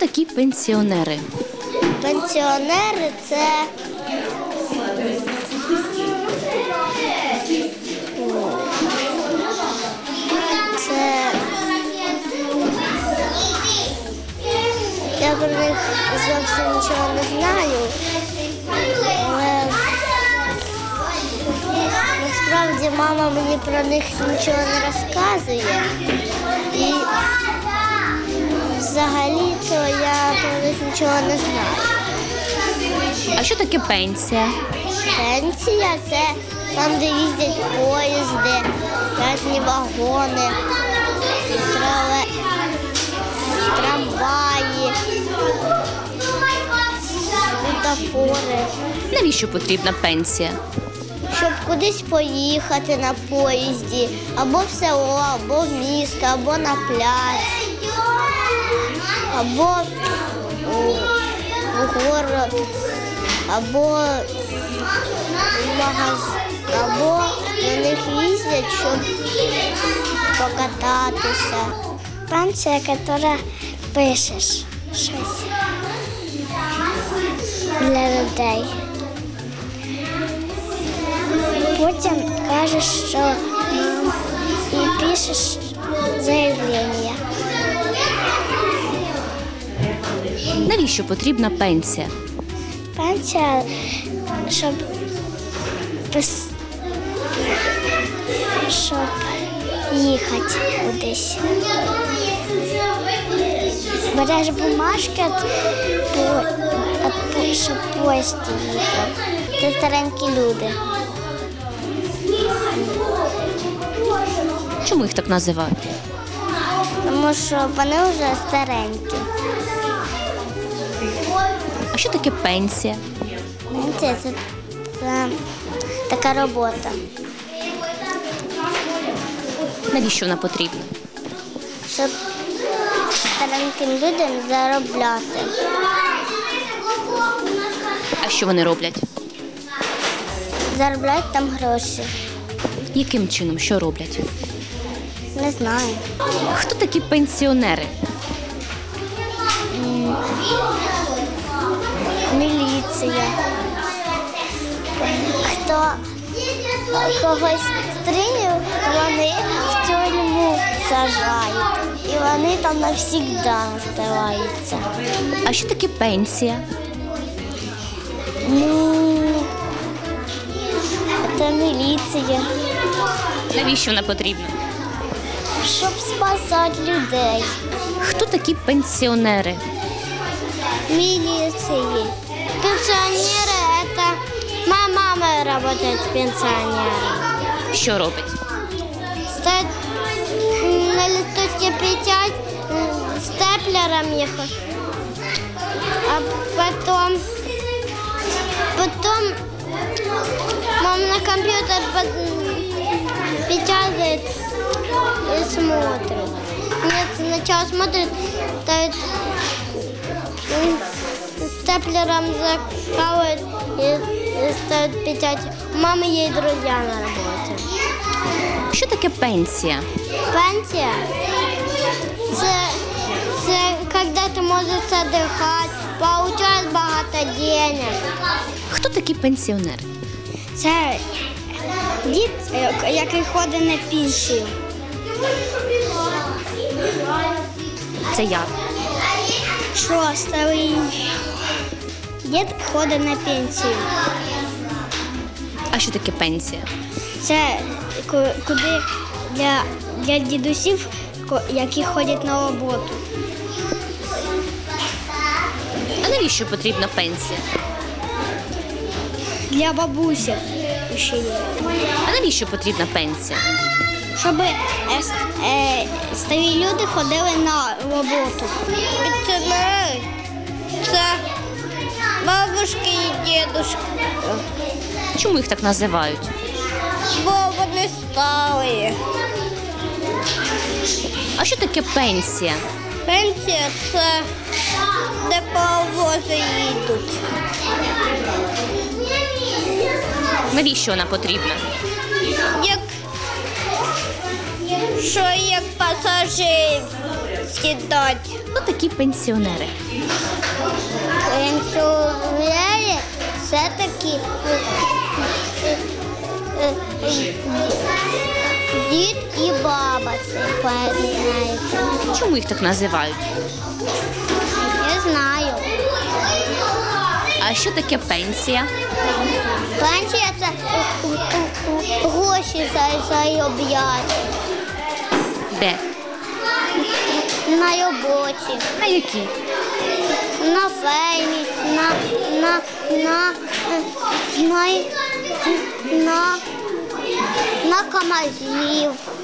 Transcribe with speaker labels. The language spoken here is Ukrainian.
Speaker 1: такі пенсіонери?
Speaker 2: Пенсіонери – це я про них зовсім нічого не знаю, але насправді мама мені про них нічого не розказує. І взагалі-то я про них нічого не знаю.
Speaker 1: А що таке пенсія?
Speaker 2: Пенсія – це там, де їздять поїзди, різні вагони, трамваї, світофори.
Speaker 1: Навіщо потрібна пенсія?
Speaker 2: Щоб кудись поїхати на поїзді, або в село, або в місто, або на пляж, або в город, або в магазин, або на них їздять, щоб покататися. Пенсія, яка пишеш щось для людей. Потім кажеш, що і пишеш заявлення.
Speaker 1: Навіщо потрібна пенсія?
Speaker 2: Пенсія, щоб їхати кудись. Береш бумажки, щоб поїзд їхав. Це старенькі люди.
Speaker 1: Чому їх так називають?
Speaker 2: Тому що вони вже старенькі.
Speaker 1: А що таке пенсія?
Speaker 2: Пенсія – це така робота.
Speaker 1: Навіщо вона потрібна?
Speaker 2: Щоб стареньким людям заробляти.
Speaker 1: А що вони роблять?
Speaker 2: Заробляють там гроші.
Speaker 1: Яким чином? Що роблять?
Speaker 2: Не знаю.
Speaker 1: Хто такі пенсіонери?
Speaker 2: Міліція. Хто когось стрілює, вони в тюрму сажають. І вони там навсігда залишаються.
Speaker 1: А що таке пенсія?
Speaker 2: Це міліція.
Speaker 1: Навіщо вона потрібна?
Speaker 2: Щоб спасати людей.
Speaker 1: Хто такі пенсіонери?
Speaker 2: Милиции. Пенсионеры – это моя мама работает с пенсионером.
Speaker 1: Що робить?
Speaker 2: Стоит на листочке печать степлером ехать, а потом мама на компьютер печатает и смотрит. Нет, сначала смотрит, ставит степлером закалывает и ставит печать. У мамы есть друзья на работе.
Speaker 1: Що таке пенсія?
Speaker 2: Пенсия – це когда ты можешь отдыхать, получать багато денег.
Speaker 1: Хто такі пенсіонери?
Speaker 2: Це дід, який ходить на пенсію.
Speaker 1: Це я.
Speaker 2: Що старий дід ходить на пенсію.
Speaker 1: А що таке пенсія?
Speaker 2: Це куди для дідусів, які ходять на роботу.
Speaker 1: А навіщо потрібна пенсія?
Speaker 2: Для бабусів ще є.
Speaker 1: А навіщо потрібна пенсія?
Speaker 2: Щоб старі люди ходили на роботу. Пенсіонери – це бабушки і дідушки.
Speaker 1: Чому їх так називають?
Speaker 2: Бо вони старі.
Speaker 1: А що таке пенсія?
Speaker 2: Пенсія – це де паровози їдуть.
Speaker 1: Навіщо вона потрібна?
Speaker 2: Як пасажир сідати.
Speaker 1: Хто такі пенсіонери?
Speaker 2: Пенсіонери – це такі дід і баба, це знаєте.
Speaker 1: Чому їх так називають?
Speaker 2: Я знаю.
Speaker 1: А що таке пенсія?
Speaker 2: Пенсія – це гроші заробляти
Speaker 1: Де?
Speaker 2: на роботі,
Speaker 1: На які?
Speaker 2: на фермі, на камазів.